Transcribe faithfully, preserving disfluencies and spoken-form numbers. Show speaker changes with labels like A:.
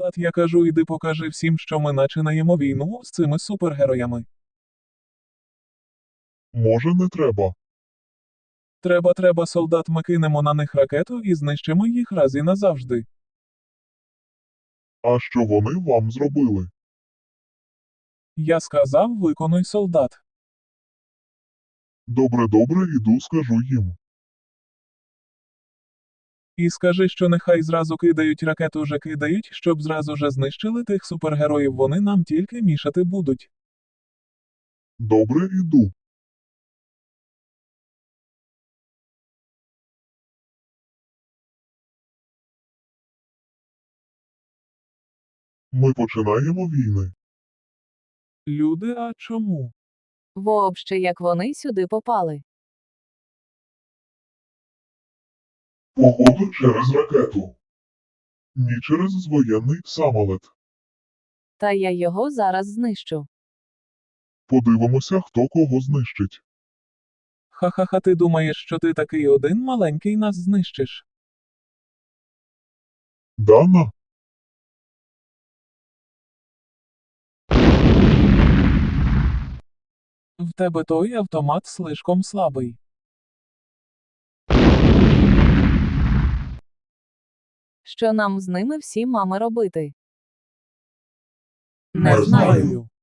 A: солдат, я кажу, іди покажи всім, що ми начинаємо війну з цими супергероями.
B: Може, не треба.
A: Треба, треба, солдат, ми кинемо на них ракету і знищимо їх раз і назавжди.
B: А що вони вам зробили?
A: Я сказав, виконуй, солдат.
B: Добре, добре, іду скажу їм.
A: І скажи, що нехай зразу кидають ракету, вже кидають, щоб зразу же знищили тих супергероїв, вони нам тільки мішати будуть.
B: Добре, іду. Ми починаємо війни.
A: Люди, а чому?
C: Вообще, як вони сюди попали?
B: Походу через ракету. Ні через воєнний самолет.
C: Та я його зараз знищу.
B: Подивимося, хто кого знищить.
A: Ха-ха-ха, ти думаєш, що ти такий один маленький нас знищиш?
B: Дана?
A: В тебе той автомат слишком слабий.
C: Що нам з ними всі мами робити?
B: Не
A: Не
B: знаю.
A: знаю.